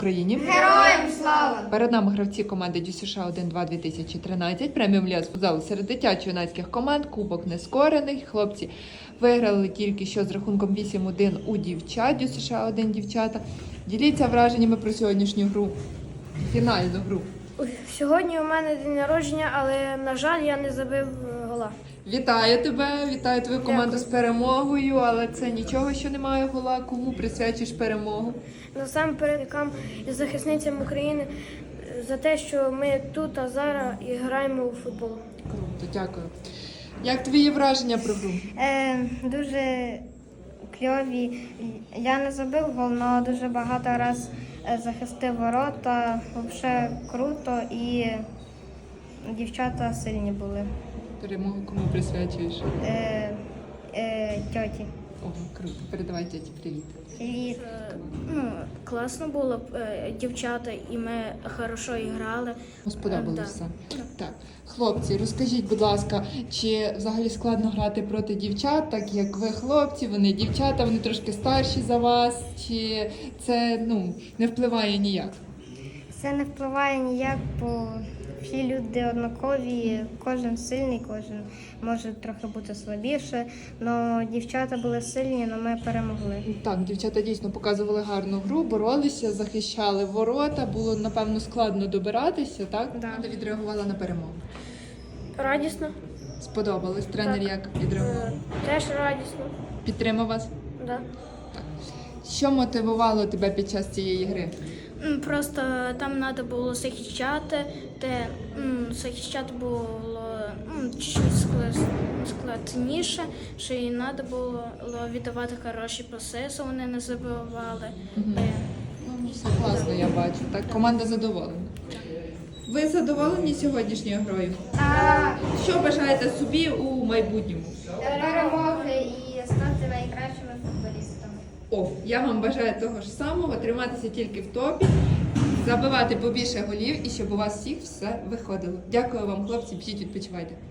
Україні! Героям слава! Перед нами гравці команди ДЮСШ 1-2 2013, преміум ліга з футзалу серед дитячо-юнацьких команд, кубок нескорених. Хлопці виграли тільки що з рахунком 8-1 у дівчат, ДЮСШ 1 дівчата. Діліться враженнями про сьогоднішню гру, фінальну гру. Сьогодні у мене день народження, але, на жаль, я не забив гола. Вітаю тебе, вітаю твою команду з перемогою, але це нічого, що немає гола. Кому присвячуєш перемогу? Насамперед, і захисницям України за те, що ми тут, а зараз і граємо у футбол. Круто, дякую. Як твої враження про гру? Дуже кльові. Я не забив гол, але дуже багато разів захистив ворота. Взагалі круто і дівчата сильні були. Перемогу кому присвячуєш? Тьоті. Ого, круто. Передавай тьоті привіт. Привіт. Класно було, дівчата, і ми хорошо грали. Сподобалося все. Так, хлопці, розкажіть, будь ласка, чи взагалі складно грати проти дівчат, так як ви хлопці, вони дівчата, вони трошки старші за вас, чи це не впливає ніяк? Це не впливає ніяк, бо всі люди однакові, кожен сильний, кожен може трохи бути слабіше. Але дівчата були сильні, але ми перемогли. Так, дівчата дійсно показували гарну гру, боролися, захищали ворота, було, напевно, складно добиратися, так? Да. Ти відреагувала на перемогу. Радісно. Сподобалось? Тренер Так. як відреагував? Теж радісно. Підтримав вас? Да. Що мотивувало тебе під час цієї гри? Просто там треба було захищати, захищати було чуть складніше, що і треба було віддавати хороші паси, що вони не забивали. Все класно, я бачу. Так, команда задоволена. Ви задоволені сьогоднішньою грою? Так. Що бажаєте собі у майбутньому? Перемоги і стати найкращими футболістами. Я вам бажаю того ж самого, триматися тільки в топі, забивати побільше голів і щоб у вас всіх все виходило. Дякую вам, хлопці, біжіть, відпочивайте.